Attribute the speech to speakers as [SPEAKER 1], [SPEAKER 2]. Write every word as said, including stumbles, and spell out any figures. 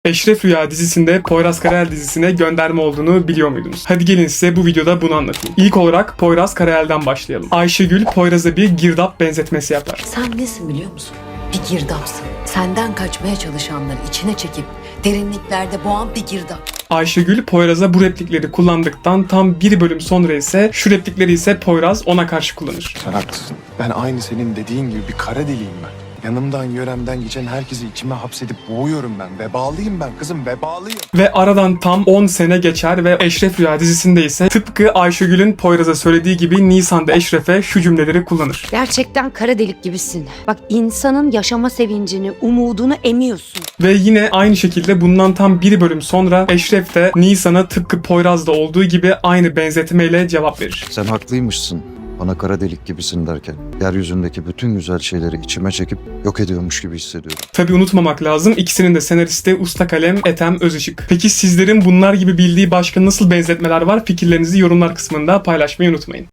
[SPEAKER 1] Eşref Rüya dizisinde Poyraz Karayel dizisine gönderme olduğunu biliyor muydunuz? Hadi gelin size bu videoda bunu anlatayım. İlk olarak Poyraz Karayel'den başlayalım. Ayşegül Poyraz'a bir girdap benzetmesi yapar.
[SPEAKER 2] Sen nesin biliyor musun? Bir girdapsın. Senden kaçmaya çalışanları içine çekip derinliklerde boğan bir girdap.
[SPEAKER 1] Ayşegül Poyraz'a bu replikleri kullandıktan tam bir bölüm sonra ise şu replikleri ise Poyraz ona karşı kullanır.
[SPEAKER 3] Sen haklısın. Ben aynı senin dediğin gibi bir kara deliyim ben. Yanımdan yöremden geçen herkesi içime hapsedip boğuyorum ben. Vebalıyım ben kızım, vebalıyım.
[SPEAKER 1] Ve aradan tam on sene geçer ve Eşref Rüya dizisinde ise tıpkı Ayşegül'ün Poyraz'a söylediği gibi Nisan'da Eşref'e şu cümleleri kullanır.
[SPEAKER 4] Gerçekten kara delik gibisin. Bak insanın yaşama sevincini, umudunu emiyorsun.
[SPEAKER 1] Ve yine aynı şekilde bundan tam bir bölüm sonra Eşref de Nisan'a tıpkı Poyraz'da olduğu gibi aynı benzetmeyle cevap verir.
[SPEAKER 5] Sen haklıymışsın. Bana kara delik gibisin derken yeryüzündeki bütün güzel şeyleri içime çekip yok ediyormuş gibi hissediyorum.
[SPEAKER 1] Tabi unutmamak lazım, ikisinin de senaristi usta kalem Ethem Özışık. Peki sizlerin bunlar gibi bildiği başka nasıl benzetmeler var? Fikirlerinizi yorumlar kısmında paylaşmayı unutmayın.